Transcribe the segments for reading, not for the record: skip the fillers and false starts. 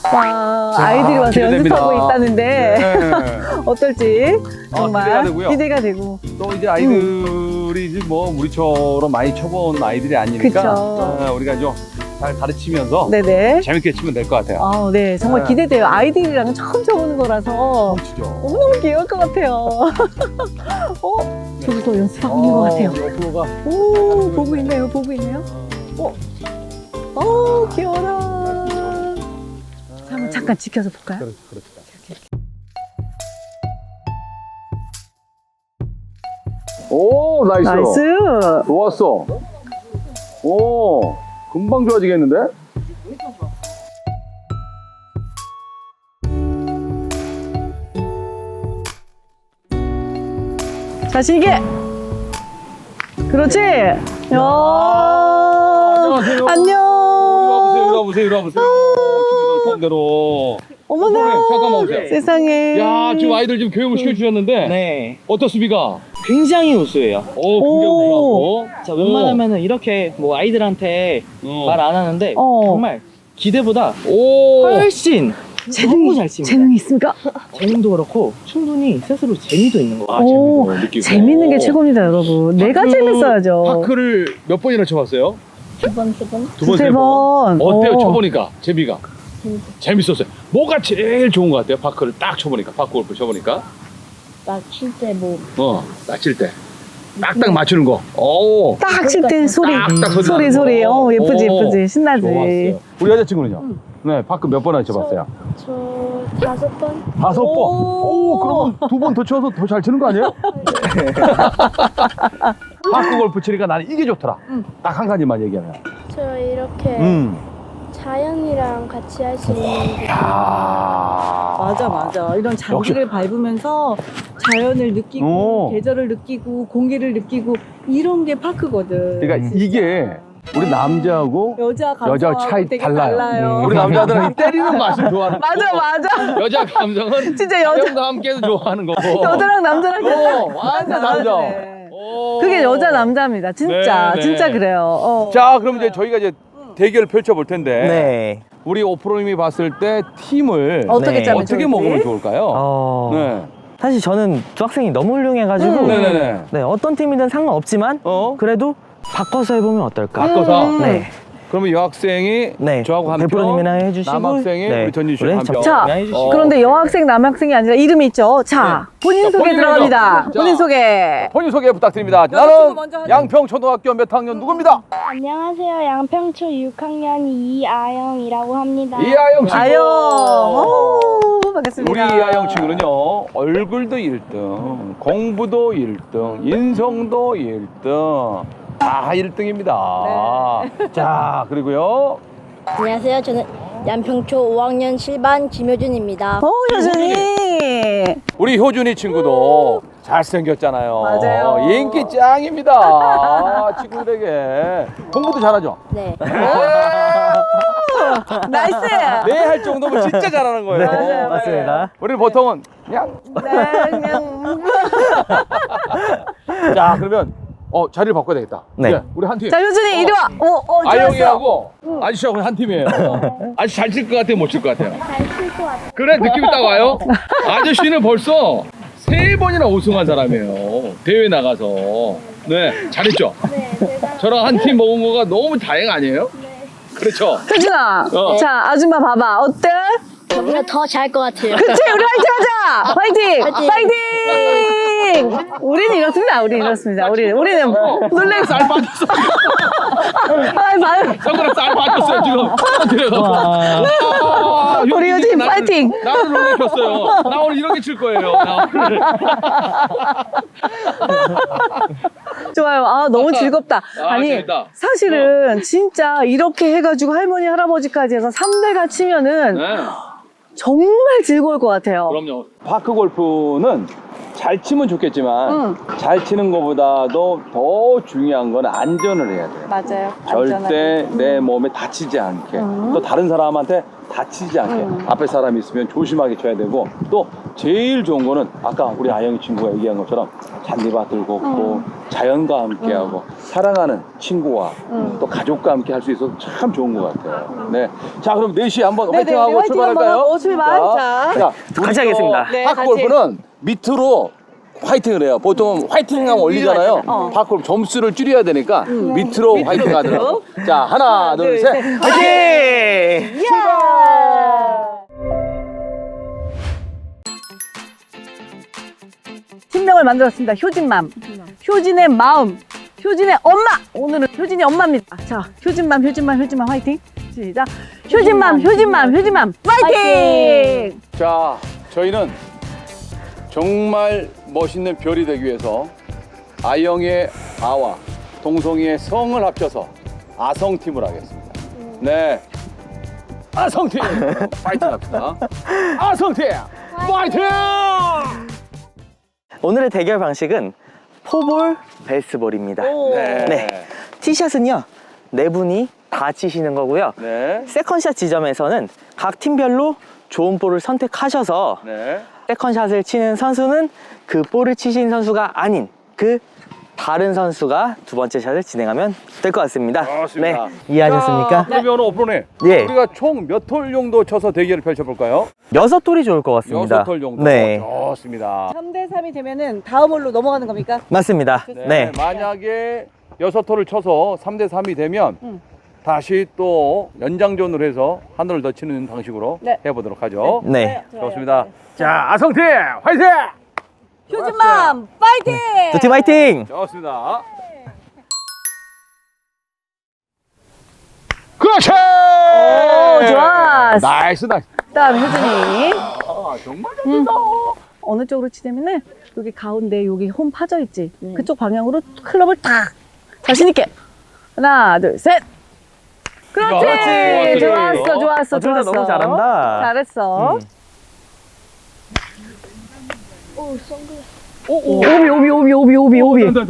와, 자, 아이들이 와서 기대됩니다. 연습하고 있다는데 네. 어떨지 정말 기대가 되고요. 기대가 되고. 또 이제 아이들이 이제 뭐 우리처럼 많이 쳐본 아이들이 아니니까 그쵸. 우리가 좀 잘 가르치면서 네네. 재밌게 치면 될 것 같아요. 아, 네, 정말 네. 기대돼요. 아이들이랑 처음 쳐보는 거라서 치죠. 너무너무 귀여울 것 같아요. 저기서 연습하고 있는 것 같아요. 옆으로가. 오, 보고 있네요, 보고 있네요. 귀여워라. 자, 한번 잠깐 지켜서 볼까요? 그렇지. 오, 나이스. 나이스. 좋았어. 오, 금방 좋아지겠는데? 자신 있게. 그렇지. 야. 안녕하세요. 안녕. 이리 와보세요. 친구들 폰대로. 어머나. 잠깐만 오세요. 세상에. 야, 지금 아이들 지금 교육을 시켜주셨는데 네, 어떻습니까? 굉장히 우수해요. 굉장히 오. 좋아하고. 자, 웬만하면은 이렇게 뭐 아이들한테 말 안 하는데 정말 기대보다 오. 훨씬 너무 잘 칩니다. 재능이 있습니까? 재능도 그렇고 충분히 스스로 재미도 있는 거 같아요. 오, 재밌는 거 느끼고. 재밌는 게 최고입니다, 여러분. 내가 재밌어야죠. 파크를 몇 번이나 쳐봤어요? 두 번, 세 번. 두 번, 두세 세 번. 번. 어때요? 어. 쳐보니까 재미가? 재밌었어요. 뭐가 제일 좋은 것 같아요? 파크를 딱 쳐보니까, 파크 골프 쳐보니까. 나칠 때 뭐, 낮칠 때. 딱딱 맞추는 거. 오. 딱 칠 때 소리. 딱딱 소리 소리. 나는 거. 예쁘지, 오, 예쁘지. 신나지. 좋았어요. 우리 여자친구는요? 네, 파크 몇 번이나 쳐봤어요? 저 5번? 5번. 오, 그러면 2번 더 쳐서 더 잘 치는 거 아니에요? 파크 골프 치니까 나는 이게 좋더라. 딱 한 가지만 얘기하면. 저 이렇게 자연이랑 같이 할 수 있는 게 야. 맞아. 이런 잔디를 밟으면서 자연을 느끼고, 오. 계절을 느끼고, 공기를 느끼고, 이런 게 파크거든. 그러니까 이게 우리 남자하고 여자 여자 차이 되게 달라요. 우리 남자들은 이 때리는 맛을 좋아하는 거고 맞아. 여자 감성은 진짜 여자- 자연과 함께도 좋아하는 거고 여자랑 남자랑 완전 남자. 다르네. 오. 그게 여자 남자입니다. 진짜 네. 진짜 그래요. 자, 그럼 이제 저희가 이제 대결을 펼쳐볼 텐데 네. 우리 오프로님이 봤을 때 팀을 어떻게 네. 짜면 어떻게 좋을지? 먹으면 좋을까요? 네. 사실 저는 중학생이 너무 훌륭해가지고 네네네. 네, 어떤 팀이든 상관없지만 그래도 바꿔서 해보면 어떨까? 바꿔서? 네. 그러면 여학생이 네. 저하고 한 표, 대표님이나 해주시고 남학생이 네. 우리 전진 씨 그래, 한 표. 자, 해주시고. 그런데 여학생, 남학생이 아니라 이름이 있죠. 자, 본인 자, 소개 본인 들어갑니다. 먼저. 본인 자. 소개. 본인 소개 부탁드립니다. 여자친구 먼저 나는 하자. 양평초등학교 몇 학년 누구입니다? 안녕하세요. 양평초 6학년 이아영이라고 합니다. 이하영 친구. 아영. 오, 반갑습니다. 우리 이하영 친구는요, 얼굴도 1등, 공부도 1등, 인성도 1등, 다 1등입니다. 자, 그리고요. 안녕하세요. 저는 양평초 5학년 7반 김효준입니다. 효준이. 우리 효준이 친구도 잘생겼잖아요. 맞아요. 인기 짱입니다. 친구들에게. 공부도 잘하죠? 네. 나이스. 네 할 정도면 진짜 잘하는 거예요. 맞아요. 맞습니다. 우리는 보통은 그냥. 그냥. 자, 그러면 자리를 바꿔야 되겠다. 네. 우리 한 팀. 자, 효준이 이리 와. 좋았어. 아영이하고 아저씨하고 한 팀이에요. 아저씨 잘 칠 것 같아요? 못 칠 것 같아요? 잘 칠 것 같아요. 그래, 느낌이 딱 와요? 아저씨는 벌써 3번이나 우승한 사람이에요. 대회 나가서. 네, 잘했죠? 네, 제가 저랑 한 팀 먹은 거가 너무 다행 아니에요? 그렇죠? 효준아. 자, 아줌마 봐봐. 어때? 저보다 더 잘 것 같아요. 그치, 우리 화이팅 하자! 화이팅! 화이팅! 화이팅! 우리는 이렇습니다. 우리는 놀래. 쌀 빠졌어. 봐요. 손가락 쌀 빠졌어요, 지금. 들어가서. 우리 요즘 파이팅! 나를 놀래켰어요. 나 오늘 이렇게 칠 거예요. 나 오늘. 좋아요. 너무 즐겁다. 아니, 재밌다. 사실은 진짜 이렇게 해가지고 할머니, 할아버지까지 해서 3대가 치면은 네. 정말 즐거울 것 같아요. 그럼요. 파크 골프는 잘 치면 좋겠지만 잘 치는 것보다도 더 중요한 건 안전을 해야 돼요. 맞아요. 절대 내 몸에 다치지 않게 또 다른 사람한테 다치지 않게 앞에 사람이 있으면 조심하게 쳐야 되고 또 제일 좋은 거는 아까 우리 아영이 친구가 얘기한 것처럼 잔디밭을 걷고 자연과 함께하고 사랑하는 친구와 또 가족과 함께 할 수 있어서 참 좋은 것 같아요. 네, 자 그럼 4시에 한번 화이팅하고 화이팅 출발할까요? 한번 하고 출발. 자. 같이 하겠습니다. 네, 파크 골프는 밑으로 화이팅을 해요. 보통 화이팅하면 올리잖아요. 파크 골프 점수를 줄여야 되니까 밑으로 화이팅 하더라고요. 자, 하나, 둘, 셋. 화이팅! 팀명을 만들었습니다. 효진맘. 효진의 마음. 효진의 엄마. 오늘은 효진이 엄마입니다. 자, 효진맘 화이팅. 시작. 효진맘 화이팅! 자, 저희는 정말 멋있는 별이 되기 위해서 아영의 아와 동성이의 성을 합쳐서 아성팀을 하겠습니다. 네. 아성팀! 파이팅 합시다. 아성팀! 파이팅! 오늘의 대결 방식은 포볼 베이스볼입니다. 네. 티샷은요, 네 분이 다 치시는 거고요. 네. 세컨샷 지점에서는 각 팀별로 좋은 볼을 선택하셔서 네. 세컨샷을 치는 선수는 그 볼을 치신 선수가 아닌 그 다른 선수가 두 번째 샷을 진행하면 될 것 같습니다. 좋습니다. 네, 이해하셨습니까? 자, 그러면 오프로님, 예. 우리가 총 몇 톨 정도 쳐서 대결을 펼쳐볼까요? 6톨이 좋을 것 같습니다. 6톨 정도. 네, 좋습니다. 3대3이 되면은 다음 홀로 넘어가는 겁니까? 맞습니다. 네. 네. 만약에 6톨을 쳐서 3대3이 되면 다시 또 연장전으로 해서 한 홀을 더 치는 방식으로 네. 해보도록 하죠. 네. 좋습니다. 자, 아성팀 화이팅! 효진맘 파이팅! 두 팀 화이팅! 좋습니다. 그렇지! 오, 좋았어. 나이스. 그다음 효진이 아, 정말 좋다. 어느 쪽으로 치냐면은 여기 가운데 여기 홈 파져 있지. 그쪽 방향으로 클럽을 탁 자신 있게. 하나, 둘, 셋. 그렇지. 그렇지. 좋았어. 둘 다 너무 잘한다. 잘했어. 오, 선글라스. 오. 오비. 안 돼.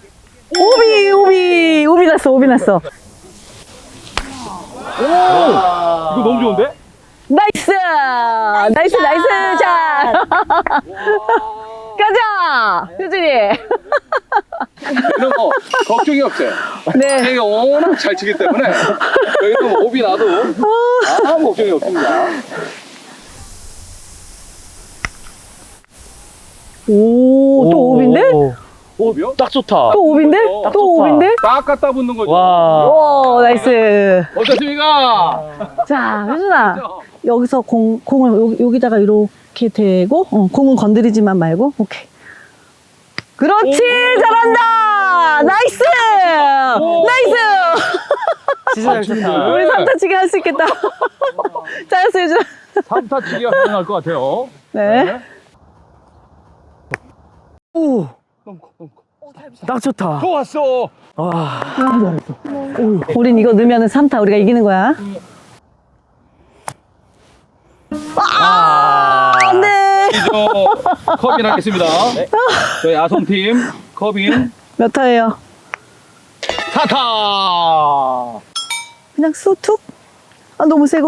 오비 났어. 이거 너무 좋은데? 나이스 자. 가자 효진이. 이런 거 걱정이 없어요. 네. 제가 워낙 잘 치기 때문에 여기는 오비 나도 아무 걱정이 없습니다. 오, 또 오비인데? 오비요? 딱 좋다. 또 오비인데? 딱 또 좋다. 오비인데? 딱 갖다 붙는 거죠. 와. 오, 나이스. 어떻습니까? 자, 효준아. 여기서 공을 여기다가 이렇게 대고, 공은 건드리지만 말고, 오케이. 그렇지! 잘한다! 나이스! 진짜 잘 쳤다. 우리 삼타치기 할 수 있겠다. 잘했어, 효준아. 3타 치기가 가능할 것 같아요. 네. 오. 딱 좋다. 좋았어. 와. 우린 이거 넣으면 3타 우리가 이기는 거야. 안 돼! 이제 컵인 하겠습니다. 저희 아성팀 컵인 몇 타예요? 4타. 그냥 쑥툭? 아, 너무 세고.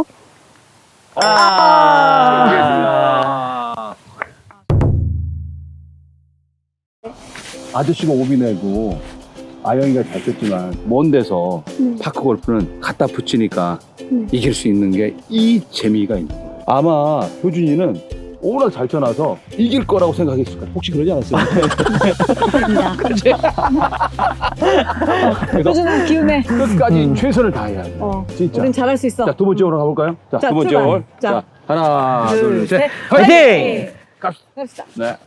아저씨가 오비 내고 아영이가 잘 쳤지만 먼 데서 파크 골프는 갖다 붙이니까 이길 수 있는 게 이 재미가 있는 거예요. 아마 효준이는 워낙 잘 쳐놔서 이길 거라고 생각했을 거야. 혹시 그러지 않았어요? 그렇지? 그래서 효준아, 기운내. 끝까지 최선을 다해야 돼. 진짜. 우린 잘할 수 있어. 자, 두 번째 홀로 가볼까요? 자, 자, 두 번째 출발. 홀. 자. 자, 하나, 둘, 셋. 화이팅! 갑시다. 네.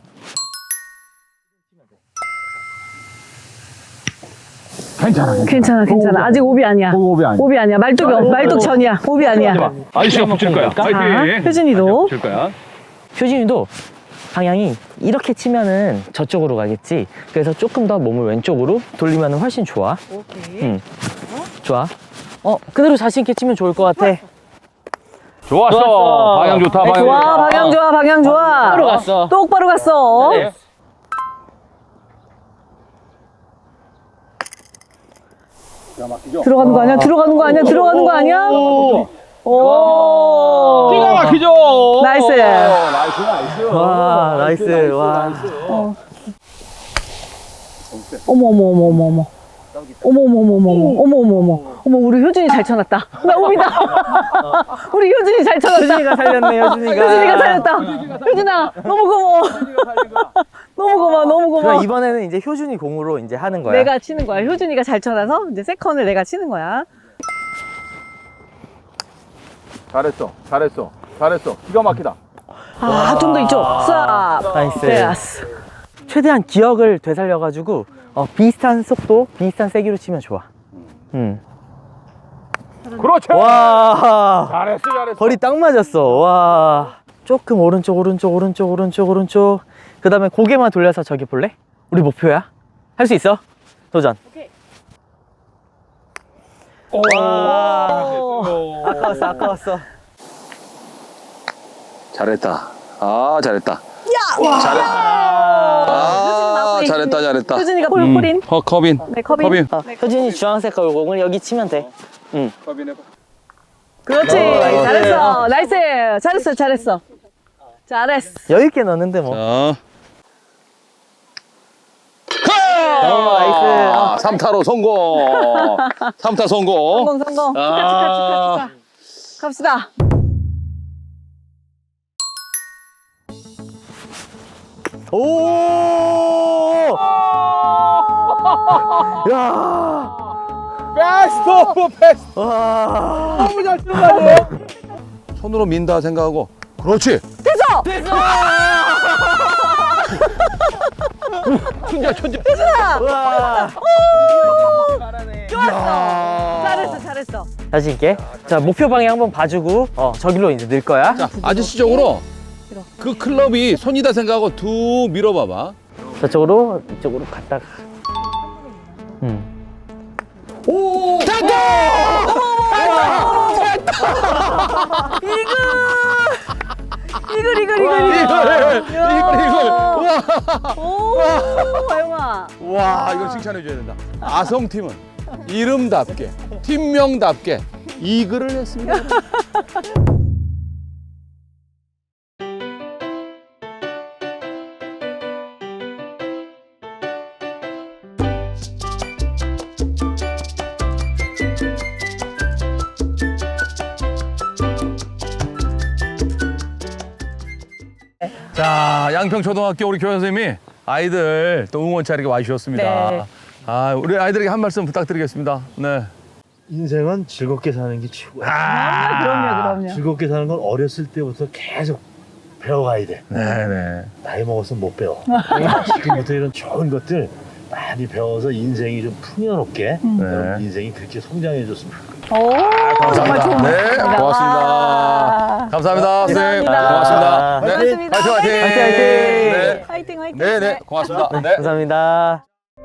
괜찮아. 아직 오비 아니야. 오비 아니야. 오비 아니야. 말뚝 전이야. 오비 아니야. 아저씨가 붙일 거야. 화이팅. 효진이도. 붙일 거야. 효진이도 방향이 이렇게 치면은 저쪽으로 가겠지. 그래서 조금 더 몸을 왼쪽으로 돌리면 훨씬 좋아. 오케이. 좋아. 그대로 자신 있게 치면 좋을 것 같아. 좋았어. 좋았어. 방향 좋다. 방향 좋아, 좋다. 방향 좋아. 똑바로 갔어. 똑바로 갔어. 네. 들어가는 거 아니야? 들어가는 거 아니야? 들어가는 거 아니야? 오. 기가 막히죠. 나이스. 나이스. 와, 나이스. 와. 어머 어머 어머 어머 어머. 어머 어머 어머 어머 어머 어머 어머 어머 우리 효준이 잘 쳐놨다. 나 오비다. 우리 효준이 잘 쳐놨다. 효준이가 살렸네, 효준이가. 효준이가 살렸다. 효준아 너무 고마워. 너무 고마워 너무 고마워. 그럼 이번에는 이제 효준이 공으로 이제 하는 거야. 내가 치는 거야. 효준이가 잘 쳐놔서 이제 세컨을 내가 치는 거야. 잘했어. 기가 막히다. 아, 좀 더 이쪽. 쏴. 나이스. 됐어. 최대한 기억을 되살려가지고 비슷한 속도, 비슷한 세기로 치면 좋아. 그렇지. 와. 잘했어. 거리 딱 맞았어. 와. 조금 오른쪽. 그 다음에 고개만 돌려서 저기 볼래? 우리 목표야. 할 수 있어. 도전. 오케이. 와. 아까웠어. 잘했다. 아, 잘했다. 야! 아, 잘했다. 효준이가 폴린. 컵인. 네, 컵인. 효진이 주황색 공을 여기 치면 돼. 컵인 해봐. 그렇지. 잘했어. 나이스. 잘했어. 여유 있게 넣는데 뭐. 자. 나이스. 3타로 성공. 3타 성공. 성공. 아. 축하. 갑시다. 오! 야! 베스트 오브 베스트. 와! 너무 잘 치는 거 아니에요? 손으로 민다 생각하고. 그렇지. 됐어. 천재. 와! 좋았어. 잘했어. 자신 있게. 자, 목표 방향 한번 봐주고 저기로 이제 늘 거야. 자, 아저씨 쪽으로 그 클럽이 손이다 생각하고 두 밀어봐봐. 저쪽으로 이쪽으로 갔다가. 오! 이걸. 오, 화영아. 와, 이거 칭찬해줘야 된다. 아성팀은 이름답게, 팀명답게 이글을 했습니다. 자, 양평초등학교 우리 교장 선생님이 아이들 또 응원차 이렇게 와주셨습니다. 네. 아, 우리 아이들에게 한 말씀 부탁드리겠습니다. 네. 인생은 즐겁게 사는 게 최고야. 그럼요. 즐겁게 사는 건 어렸을 때부터 계속 배워가야 돼. 네네. 나이 먹었으면 못 배워. 지금부터 이런 좋은 것들 많이 배워서 인생이 좀 풍요롭게 여러분 인생이 그렇게 성장해줬으면 좋겠다. 오, 정말 좋은 네, 말씀입니다. 고맙습니다. 와. 감사합니다, 선생님. 감사합니다. 고맙습니다. 네, 고맙습니다. 화이팅. 화이팅. 네, 고맙습니다. 네. 감사합니다.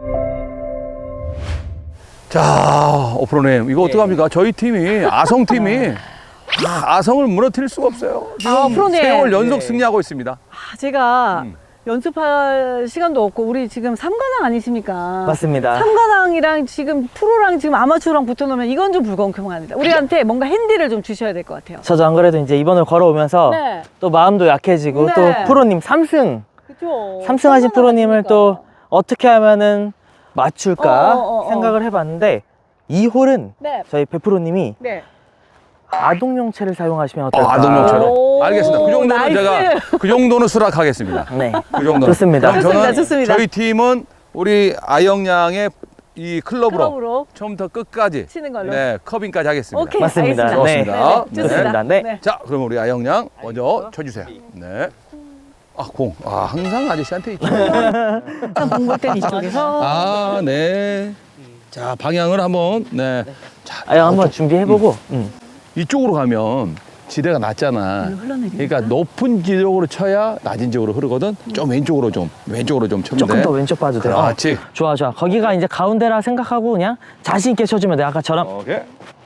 자, 오프로님, 이거 어떡합니까? 저희 팀이, 아성팀이 아성을 무너뜨릴 수가 없어요. 지금 프로님. 3월 연속 승리하고 있습니다. 아, 제가 연습할 시간도 없고 우리 지금 삼관왕 아니십니까? 맞습니다. 삼관왕이랑 지금 프로랑 지금 아마추어랑 붙어놓으면 이건 좀 불공평합니다. 우리한테 뭔가 핸디를 좀 주셔야 될 것 같아요. 저도 안 그래도 이제 이번을 걸어오면서 네. 또 마음도 약해지고 네. 또 프로님 3승 그렇죠. 3승 하신 프로님을 또 어떻게 하면은 맞출까 어. 생각을 해봤는데 이 홀은 네. 저희 배프로님이 네. 아동용체를 사용하시면 어떨까? 아동용체로. 오, 알겠습니다. 그 정도는 나이스. 제가 그 정도는 수락하겠습니다. 네. 그 정도는. 좋습니다. 그럼 저는 좋습니다. 저희 팀은 우리 아영양의 이 클럽으로 처음부터 끝까지 치는 걸로. 네, 컵인까지 하겠습니다. 오케이. 맞습니다. 알겠습니다. 네. 좋습니다. 네. 좋습니다. 네. 자, 그럼 우리 아영양 먼저 쳐주세요. 네. 아, 공. 아, 항상 아저씨한테 있죠. 공볼 땐 이쪽에서. 아, 네. 자, 방향을 한번. 네. 자, 아영 한번 준비해보고. 이쪽으로 가면 지대가 낮잖아. 흘러내리니까. 그러니까 높은 지역으로 쳐야 낮은 지역으로 흐르거든. 좀 왼쪽으로 좀 쳐면 돼. 조금 더 왼쪽 봐도 돼요. 그렇지. 좋아. 거기가 이제 가운데라 생각하고 그냥 자신 있게 쳐주면 돼. 아까처럼. 오케이.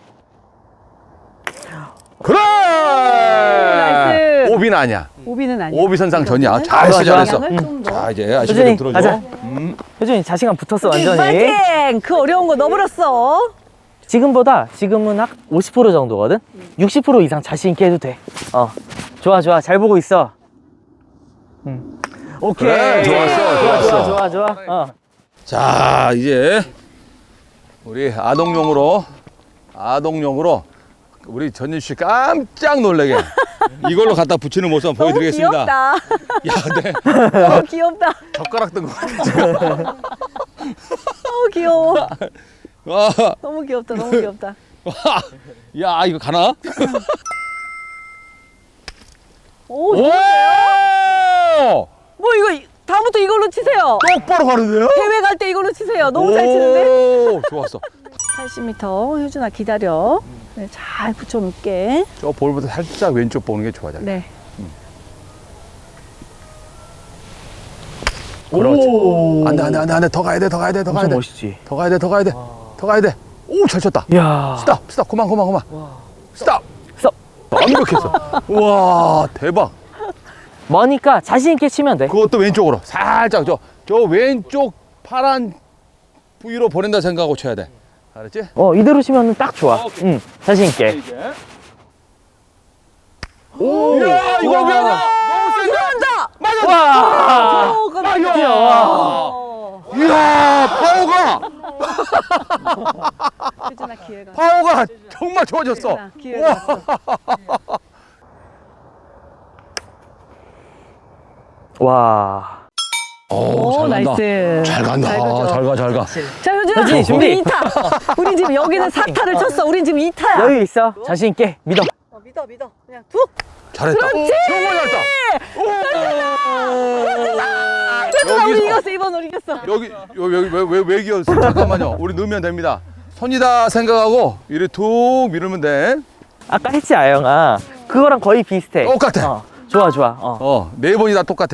그래! 나이스. 오비는 아니야. 오비는 아니야. 오비 선상 전이야. 좋아. 잘했어, 잘했어. 방향을 좀 더. 자, 이제 아저씨 효준이, 좀 들어줘. 가자. 효준이 자신감 붙었어 완전히. 파이팅! 그 어려운 거 넣어버렸어. 지금은 한 50% 정도거든? 60% 이상 자신 있게 해도 돼. 좋아, 좋아. 잘 보고 있어. 오케이. 그래, 좋았어. 좋아. 자, 이제 우리 아동용으로 우리 전진 씨 깜짝 놀래게 이걸로 갖다 붙이는 모습 한번 보여드리겠습니다. 귀엽다. 야, 네. 너무 귀엽다. 젓가락 든 거 같아 지금. 너무 귀여워. 와, 너무 귀엽다. 너무 귀엽다. 야, 이거 가나? 오, 오! 뭐 이거 다음부터 이걸로 치세요. 똑바로 가는데요? 대회 갈 때 이걸로 치세요. 너무 잘 치는데? 오, 좋았어. 80m 효준아 기다려. 네, 잘 붙여놓을게. 저 볼보다 살짝 왼쪽 보는 게 좋아. 네. 그렇지. 오. 안 돼. 더 가야 돼. 더 가야 돼. 멋있지. 더 가야 돼. 오, 잘 쳤다. 이야. 스탑. 그만. 스탑. 스톱. 완벽했어. 우와, 대박. 머니까 자신 있게 치면 돼. 그것도 왼쪽으로 살짝 저 왼쪽 파란 부위로 보낸다 생각하고 쳐야 돼. 알았지? 이대로 치면 딱 좋아. 응, 자신 있게. 이제. 오, 이야, 이거 우와. 미안해. 너무 센데. 맞아. 와. 오, 깜짝이야. 이야, 파워가 효준아 기회가. 파워가 정말 좋아졌어. 효준아, 기회가 왔어. 와. 오, 잘 간다. 나이스. 잘 간다. 가죠. 잘 가. 자, 효준아. 효준이 준비. 우리 2타. 우리 지금 여기는 4타를 쳤어. 우린 지금 2타야. 여유 있어. 자신 있게 믿어. 믿어. 그냥 툭. 잘했다. 그렇지! 정말 잘했다. 효준아, 우리 여기서. 이겼어. 이번 우리 이겼어. 여기 왜 이겼어? 잠깐만요. 우리 넣으면 됩니다. 손이다 생각하고 이렇게 툭 밀으면 돼. 아까 했지, 아영아. 그거랑 거의 비슷해. 똑같아. 좋아. 네 번이 다 똑같아.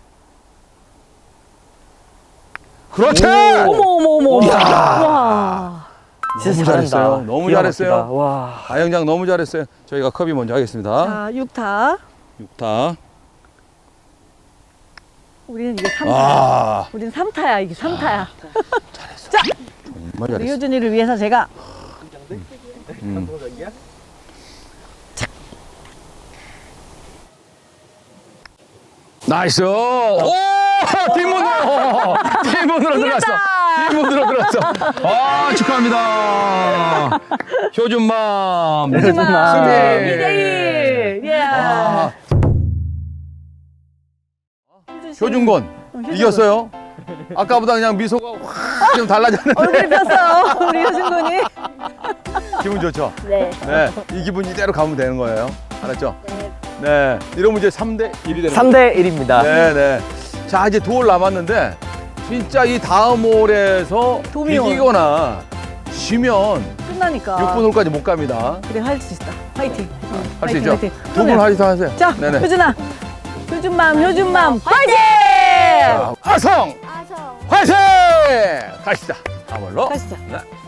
그렇지! 어머. 이야. 와. 진짜 너무 잘한다. 잘했어요. 너무 기가 잘했어요. 막히다. 와. 아영장 너무 잘했어요. 저희가 컵이 먼저 하겠습니다. 자, 6타. 6타. 우리는 이게 3타야. 아, 우린 3타야. 이게 3타야. 정말 우리 잘했어. 효준이를 위해서 제가 나이스! 오! 뒷문으로 들어갔어. 뒷문으로 들어갔어. 아, 축하합니다. 효준맘. 효준맘. 승리. 2대1. 예. 아, 씨. 효준권 이겼어요. 아까보다 그냥 미소가 확 좀 달라졌는데 얼굴이 폈어요. 우리 효준군이. 기분 좋죠? 네. 네, 이 기분 이대로 가면 되는 거예요. 알았죠? 네, 이러면 이제 3대 1이 되는 거예요. 3대 1입니다. 네. 자, 이제 두 홀 남았는데 진짜 이 다음 홀에서 도미홀. 이기거나 지면 끝나니까. 6분 홀까지 못 갑니다. 그래, 할 수 있다. 화이팅. 할 수 화이팅, 있죠? 화이팅. 두 분 하세요. 자, 네네. 효준아. 효준맘 화이팅! 자, 아성 아성. 화이팅! 가시다. 다음 홀로. 가시죠. 네.